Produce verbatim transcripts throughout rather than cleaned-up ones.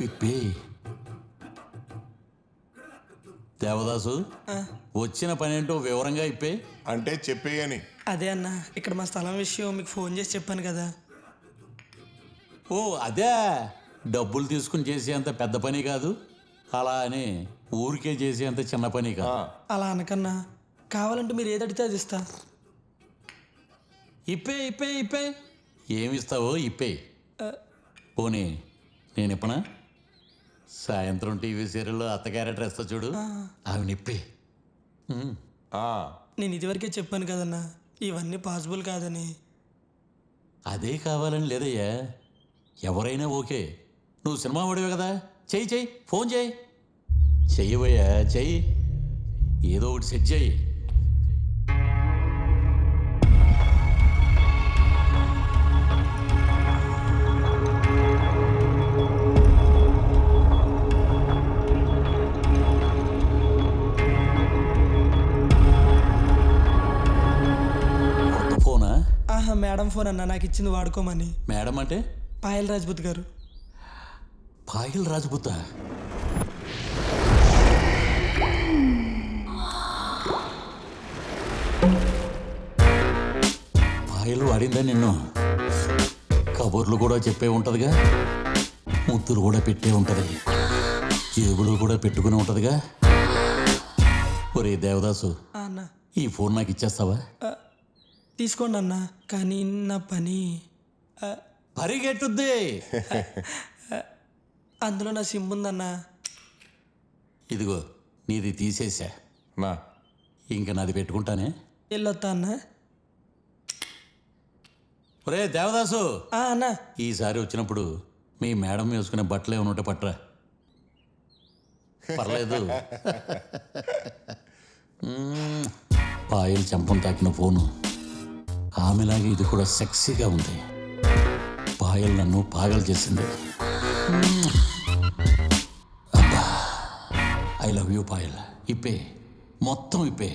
ఇప్పే దేవదాసు వచ్చిన పనేంటో వివరంగా ఇప్పే. అంటే చెప్పేయని. అదే అన్న, ఇక్కడ మా స్థలం విషయం మీకు ఫోన్ చేసి చెప్పాను కదా. ఓ అదే, డబ్బులు తీసుకుని చేసేంత పెద్ద పని కాదు, అలా అని ఊరికే చేసేంత చిన్న పని కాదు. అలా అనకన్నా, కావాలంటే మీరు ఏది అడిగితే అది ఇస్తా. ఇప్పే ఇప్పే ఇప్పే ఏమిస్తావో ఇప్పే. పోనీ నేను ఇప్పనా? సాయంత్రం టీవీ సీరియల్లో అత్త క్యారెక్టర్ వేస్తా చూడు, అవి నిప్పే. నేను ఇదివరకే చెప్పాను కదన్నా, ఇవన్నీ పాసిబుల్ కాదని. అదే కావాలని లేదయ్యా, ఎవరైనా ఓకే. నువ్వు సినిమా వాడివే కదా, చెయ్యి చెయ్యి, ఫోన్ చేయి, చెయ్యవయ్యా చెయ్యి, ఏదో ఒకటి సెట్ చేయి. ఆహా, మేడం ఫోన్ అన్న, నాకు ఇచ్చింది వాడుకోమని. మేడం అంటే? పాయల్ రాజ్పుత్ గారు. పాయల్ రాజ్పుత్? పాయలు వాడిందా నిన్ను? కబుర్లు కూడా చెప్పే ఉంటదిగా, ముద్దులు కూడా పెట్టే ఉంటది, జేబులు కూడా పెట్టుకుని ఉంటదిగా. ఒరే దేవదాసు, అన్న ఈ ఫోన్ నాకు ఇచ్చేస్తావా? తీసుకోండి అన్న, కానీ నా పని పరిగెట్టుద్ది. అందులో నా సిమ్ ఉందన్నా. ఇదిగో నీది తీసేసా, నా ఇంక నాది పెట్టుకుంటానే. వెళ్ళొత్తా అన్న. ఒరే దేవదాసు, అన్న ఈసారి వచ్చినప్పుడు మీ మేడం వేసుకునే బట్టలే ఉన్నట్టు పట్రా. పర్లేదు. పాయలు చెంపం తాకిన ఫోను, ఆమెలాగే ఇది కూడా సెక్సీగా ఉంది. పాయల్ నన్ను పాగలు చేసింది. అబ్బా, ఐ లవ్ యూ పాయల్. ఇప్పే, మొత్తం ఇప్పే.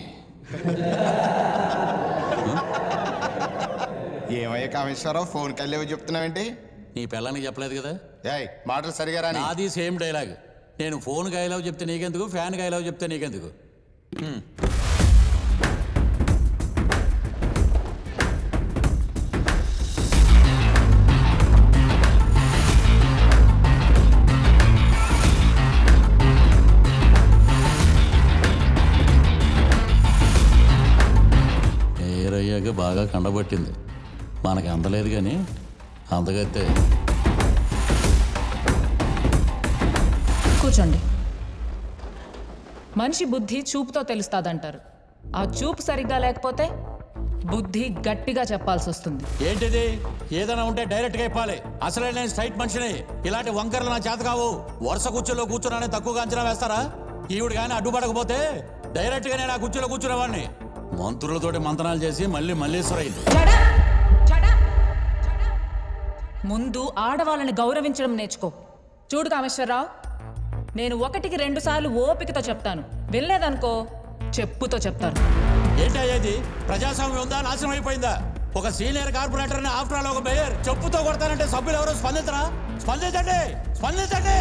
ఏమయ్యా కామేశ్వరరావు, ఫోన్ కల్లేవో చెప్తున్నావేంటి? నీ పిల్లానికి చెప్పలేదు కదా. ఏయ్, మాటలు సరిగా రాని. నాది సేమ్ డైలాగ్. నేను ఫోన్కి ఐ లవ్ చెప్తే నీకెందుకు, ఫ్యాన్కి ఐ లవ్ చెప్తే నీకెందుకు? ఏరయ్యాక బాగా కండబట్టింది, మనకి అందలేదు కానీ అందగైతే. కూర్చోండి. మనిషి బుద్ధి చూపుతో తెలుస్తాదంటారు. ఆ చూపు సరిగ్గా లేకపోతే బుద్ధి గట్టిగా చెప్పాల్సి వస్తుంది. ఏంటిది? ఏదైనా ఉంటే డైరెక్ట్గా చెప్పాలి. అసలే నేను స్ట్రైట్ మనిషిని, ఇలాంటి వంకరలు నా చేత కావు. వరుస కుర్చీలో కూర్చున్నానే తక్కువగా అంచనా వేస్తారా? ఈవిడ కానీ అడ్డుపడకపోతే డైరెక్ట్గా నేను ఆ కుర్చీలో కూర్చునేవాడిని. మంత్రులతోటి మంతనాలు చేసి మళ్ళీ మల్లేశ్వర అయింది. ముందు ఆడవాళ్ళని గౌరవించడం నేర్చుకో. చూడు కామేశ్వరరావు, నేను ఒకటికి రెండు సార్లు ఓపికతో చెప్తాను, వెళ్ళలేదనుకో చెప్పుతో చెప్తాను. ఏంటి అయ్యేది? ప్రజాస్వామ్యం ఉందా, నాశనం అయిపోయిందా? ఒక సీనియర్ కార్పొరేటర్ ఆఫ్టర్ ఆల్ ఒక మేయర్ చెప్పుతో కొడతానంటే సభ్యులు ఎవరో స్పందించరా? స్పందించండి, స్పందించండి.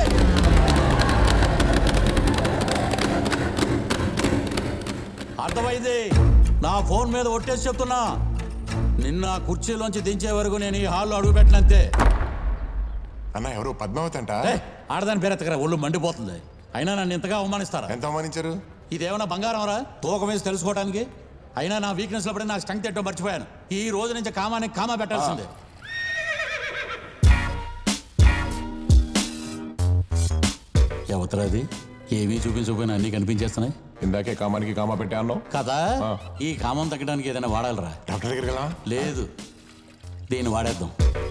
అర్థమైంది. నా ఫోన్ మీద ఒట్టేసి చెప్తున్నా, నిన్న కుర్చీలోంచి దించే వరకు నేను ఈ హాల్లో అడుగు పెట్టినంతే. అన్న ఎవరు? పద్మావతి అంట. ఆడదాని పేరెత్తకరా, ఒళ్ళు మండిపోతుంది. అయినా నన్ను ఇంతగా అవమానిస్తారా? ఎంత అవమానించారు? ఇదేమన్నా బంగారం రా తూకం వేసి తెలుసుకోవడానికి? అయినా నా వీక్నెస్ లోపడే నాకు స్ట్రెంగ్త్ ఏంటో మర్చిపోయాను. ఈ రోజు నుంచి కామానికి కామా పెట్టాల్సిందే. ఎవతరాది? ఏమీ చూపించకపోయినా అన్నీ కనిపించేస్తున్నాయి. ఇందాకే కామానికి కామా పెట్టా అన్నావు కదా. ఈ కామం తగ్గడానికి ఏదైనా వాడాలరా? డాక్టర్ దగ్గరికి వెళ్ళా? లేదు, దీన్ని వాడేద్దాం.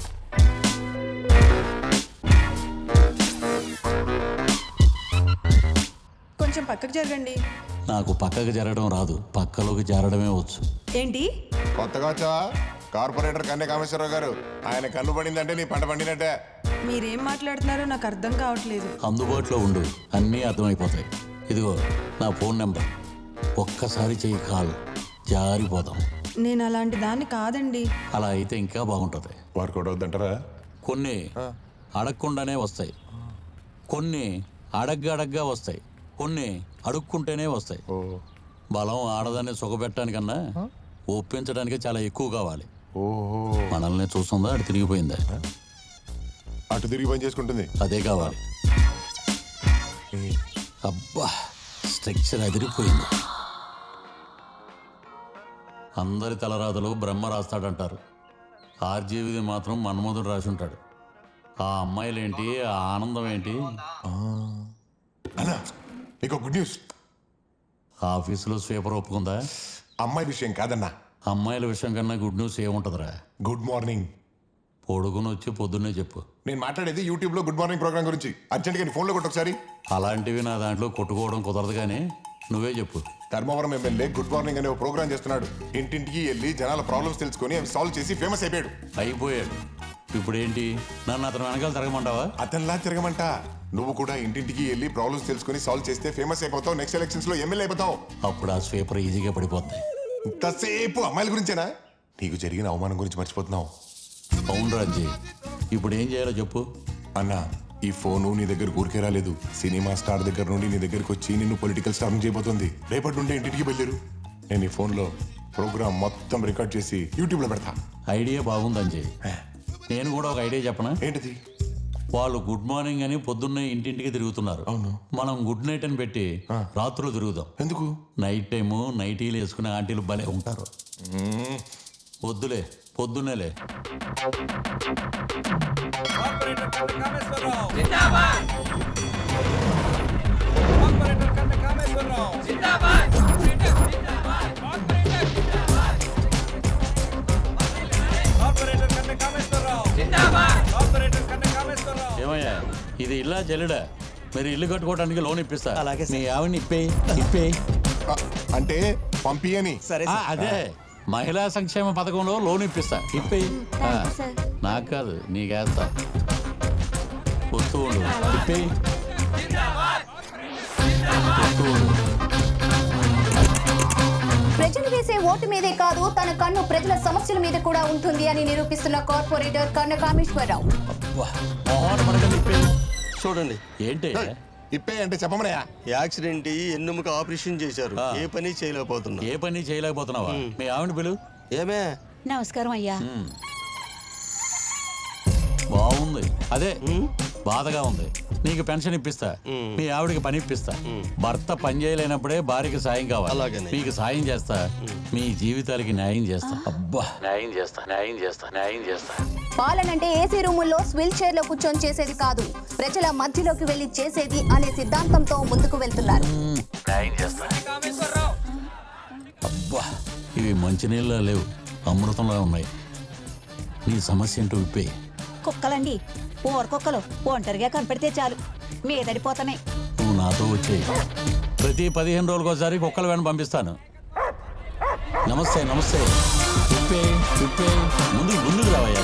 కొంచెం పక్కకు జరగండి. నాకు పక్కకు జరగడం రాదు, పక్కలోకి జరగడమే వచ్చు. ఏంటి కొత్తగా వచ్చావా? కార్పొరేటర్ కన్నే కామేశ్వరరావు గారు, ఆయన కన్ను పడిందంటే నీ పంట పండినట్టే. మీరేం మాట్లాడుతున్నారో నాకు అర్థం కావట్లేదు. అందుబాటులో ఉండు, అన్నీ అర్థమైపోతాయి. ఇదిగో నా ఫోన్ నెంబర్, ఒక్కసారి చెయ్యి కాల్, జారిపోదాం. నేను అలాంటి దాన్ని కాదండి. అలా అయితే ఇంకా బాగుంటుంది. వర్కౌట్ అవుతుంటారా? కొన్ని అడగకుండానే వస్తాయి, కొన్ని అడగ్గా అడగ్గా వస్తాయి, కొన్ని అడుక్కుంటేనే వస్తాయి. ఓ బలం ఆడదాన్ని సుఖపెట్టడానికన్నా ఒప్పించడానికి చాలా ఎక్కువ కావాలి. ఓహో మనల్ని చూస్తుందా అటు తిరిగిపోయిందా? అటు తిరిగి పని చేసుకుంటుంది. అదే కావాలి. అబ్బా స్ట్రక్చర్ అదిరిపోయింది. అందరి తలరాతలు బ్రహ్మ రాస్తాడంటారు. ఆర్జీవిది మాత్రం మన్మధుడు రాసి ఉంటాడు. ఆ అమ్మాయిలేంటి, ఆ ఆనందం ఏంటి? అన్నా నీకు గుడ్ న్యూస్. ఆఫీసులో స్వీపర్ ఒప్పుకుందా? అమ్మాయి విషయం కాదన్నా, అమ్మాయిల విషయం కన్నా గుడ్ న్యూస్ ఏముంటుందిరా? Good morning. పొడుగుని వచ్చి పొద్దున్నే చెప్పు. నేను మాట్లాడేది యూట్యూబ్ లో గుడ్ మార్నింగ్ ప్రోగ్రామ్ గురించి. అర్జెంట్గా నీ ఫోన్లో కొట్టు ఒకసారి. అలాంటివి నా దాంట్లో కొట్టుకోవడం కుదరదు, కానీ నువ్వే చెప్పు. ధర్మవరం ఎమ్మెల్యే గుడ్ మార్నింగ్ అనే ఒక ప్రోగ్రామ్ చేస్తున్నాడు. ఇంటింటికి వెళ్ళి జనాల ప్రాబ్లమ్స్ తెలుసుకొని అవి సాల్వ్ చేసి ఫేమస్ అయిపోయాడు. అయిపోయాడు. ఇప్పుడు ఏంటి, నన్ను అతను వెనకాల తిరగమంటావా? అతనిలా తిరగమంట. నువ్వు కూడా ఇంటింటికి వెళ్ళి ప్రాబ్లమ్స్ తెలుసుకొని సాల్వ్ చేస్తే ఫేమస్ అయిపోతావు. నెక్స్ట్ ఎలక్షన్స్ లో ఎమ్మెల్యే అయిపోతావు. అప్పుడు ఆ స్వీపర్ ఈజీగా పడిపోద్ది. ఇంతసేపు అమ్మాయిల గురించేనా? నీకు జరిగిన అవమానం గురించి మర్చిపోతున్నావు. అవును రాజీ, ఇప్పుడు ఏం చేయాలో చెప్పు. అన్నా ఈ ఫోను నీ దగ్గర ఊరికే రాలేదు. సినిమా స్టార్ దగ్గర నుండి నీ దగ్గరకు వచ్చి నిన్ను పొలిటికల్ స్టార్ చేయబోతుంది. రేపటి నుండి ఇంటికి బయలుదేరు. నేను ఈ ఫోన్లో ప్రోగ్రామ్ మొత్తం రికార్డ్ చేసి యూట్యూబ్ లో పెడతా. ఐడియా బాగుంది అంజయ్. నేను కూడా ఒక ఐడియా చెప్పనా? ఏంటిది? వాళ్ళు గుడ్ మార్నింగ్ అని పొద్దున్నే ఇంటింటికి తిరుగుతున్నారు. అవును. మనం గుడ్ నైట్ అని పెట్టి రాత్రులు తిరుగుదాం. ఎందుకు? నైట్ టైము నైటీలు వేసుకునే ఆంటీలు భలే ఉంటారు. వద్దులే, పొద్దున్నేలే. ఏమయ్యా, ఇది ఇల్లా చెల్లుడా? మీరు ఇల్లు కట్టుకోవడానికి లోన్ ఇప్పిస్తా. అలాగే సార్. మీ ఆవిడని ఇప్పే ఇప్పే ఆ, అంటే పంపి అని. సరే ఆ, సార్. అదే మహిళా సంక్షేమ పథకంలో లోన్ ఇప్పిస్తా. ఇప్పే నాకు కాదు, నీకేస్తా. వస్తూ ఉండు. ఇప్పే వస్తూ ఉండు. ప్రజలు వేసే ఓటు మీదే కాదు, తన కన్ను ప్రజల సమస్యల మీద కూడా ఉంటుంది అని నిరూపిస్తున్న కార్పొరేటర్ కన్న కామేశ్వరరావు. అబ్బా, మొహాన పడకండి, ఇప్పే. చూడండి, ఏంటి ఇప్పే అంటే చెప్పమనయా. యాక్సిడెంట్ ఎన్నుముక ఆపరేషన్ చేశారు, ఆ. ఏ పని చేయలేకపోతున్నా. ఏ పని చేయలేకపోతున్నావా? మీ ఆవిడ పిలు. ఏమే? నమస్కారం అయ్యా. బాగుంది. అదే బాధగా ఉంది. నీకు పెన్షన్ ఇప్పిస్తా, మీ ఆవిడకి పని ఇప్పిస్తా. భర్త పని చేయలేనప్పుడే భార్యకి సాయం కావాలి. అలాగనే. మీకు సాయం చేస్తా, మీ జీవితాలకి న్యాయం చేస్తా. అబ్బా, న్యాయం చేస్తా, న్యాయం చేస్తా, న్యాయం చేస్తా. పాలనంటే ఏసీ రూముల్లో స్విల్ చైర్ లో కూర్చొని చేసేది కాదు, ప్రజల మధ్యలోకి వెళ్లి చేసేది అనే సిద్ధాంతంతో ముందుకు వెళ్తున్నారు. న్యాయం చేస్తా. అబ్బా, ఇవి మంచినీళ్ళ లేవు, అమృతంలా ఉన్నాయి. నీ సమస్య ఏంటో విప్పే. కుక్కలండి, ఊర కుక్కలు ఒంటరిగా కనపడితే చాలు మీదడిపోతున్నాయి. నువ్వు నాతో వచ్చేయి. ప్రతి పదిహేను రోజులకోసారి కుక్కల వెంట పంపిస్తాను. నమస్తే నమస్తే. విప్పే విప్పే, ముందు ముందుకు రావయ్యా.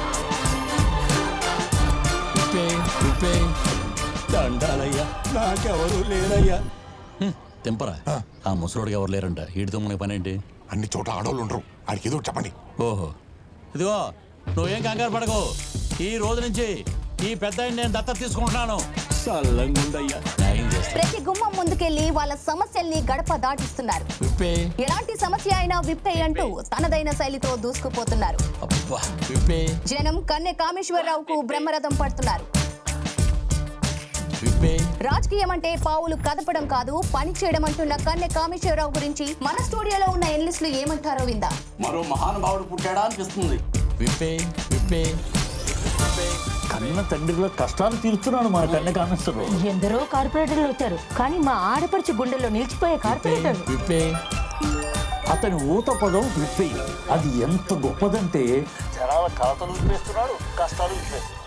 విప్పే విప్పే. దండాలయ్యా, నాకెవరు లేరయ్యా. తెంపరా. ఆ ముసలోడికి ఎవరు లేరంట. వీడితో మనకి పని ఏంటి? అన్ని చోట ఆడవాళ్ళు ఉండరు. ఆడికి ఏదో ఒకటి చెప్పండి. ఓహో, ఇదిగో నువ్వేం కంగారు పడకు. ఈ రోజు నుంచి ఈ పెద్ద నేను దత్తత తీసుకుంటున్నాను. చల్లంగుండయ్యా. న్యాయం చేస్తా. ప్రతి గుమ్మం ముందుకెళ్లి వాళ్ళ సమస్యల్ని గడప దాటిస్తున్నారు. విప్పే. ఎలాంటి సమస్య అయినా విప్పే అంటూ తనదైన శైలితో దూసుకుపోతున్నారు. అబ్బా, విప్పే జనం కన్నె కామేశ్వరరావుకు బ్రహ్మరథం పడుతున్నారు. విప్పే. రాజకీయం అంటే పావులు కదపడం కాదు, పని చేయడం అంటున్న కన్నె కామేశ్వరరావు గురించి మన స్టూడియోలో ఉన్న ఎన్లిస్టులు ఏమంటారో విందా. మరో మహానుభావుడు పుట్టాడా అనిపిస్తుంది. విప్పే విప్పే. కన్న తండ్రిలో కష్టాలు తీరుస్తున్నాడు మన కన్య కామేశ్వరరావు. ఎందరో కార్పొరేటర్లు వచ్చారు, కానీ మా ఆడపడిచి గుండెల్లో నిలిచిపోయే కార్పొరేటర్ విప్పే. అతని ఊత పదం విప్పే. అది ఎంత గొప్పదంటే జనాల కలతలు విప్పేస్తున్నాడు, కష్టాలు విప్పేస్తున్నాడు.